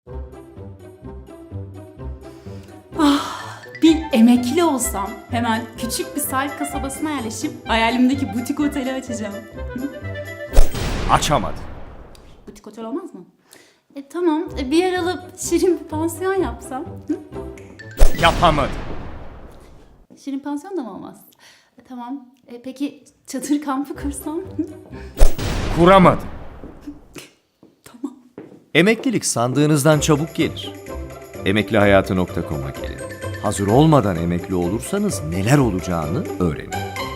Bir emekli olsam hemen küçük bir sahil kasabasına yerleşip hayalimdeki butik oteli açacağım. Açamadı. Butik otel olmaz mı? Tamam, bir yer alıp şirin bir pansiyon yapsam. Hı? Yapamadı. Şirin pansiyon da mı olmaz? Tamam, peki çadır kampı kursam? Hı? Kuramadı. Tamam. Emeklilik sandığınızdan çabuk gelir. Emeklihayatı.com'a gelin. Hazır olmadan emekli olursanız neler olacağını öğrenin.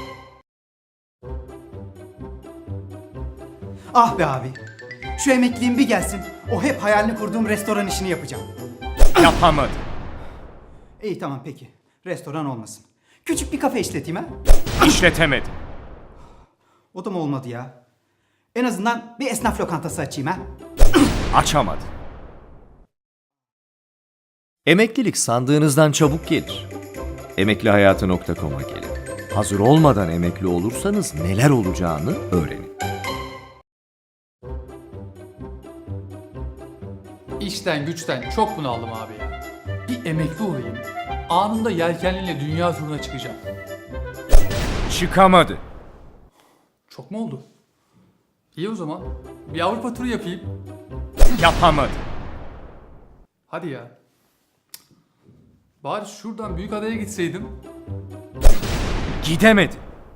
Ah be abi. Şu emekliliğim bir gelsin. O hep hayalini kurduğum restoran işini yapacağım. Yapamadı. İyi tamam peki. Restoran olmasın. Küçük bir kafe işleteyim ha. İşletemedi. O da mı olmadı ya? En azından bir esnaf lokantası açayım ha. Açamadı. Emeklilik sandığınızdan çabuk gelir. Emeklihayatı.com'a gelin. Hazır olmadan emekli olursanız neler olacağını öğrenin. İşten güçten çok bunaldım abi ya. Bir emekli olayım. Anında yelkenliyle dünya turuna çıkacağım. Çıkamadı. Çok mu oldu? İyi o zaman. Bir Avrupa turu yapayım. Yapamadı. Hadi ya. Cık. Bari şuradan Büyükada'ya gitseydim. Gidemedi.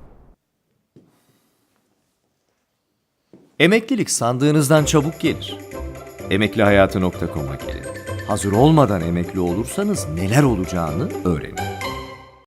Emeklilik sandığınızdan çabuk gelir. Emeklihayatı.com'a gelin. Hazır olmadan emekli olursanız neler olacağını öğrenin.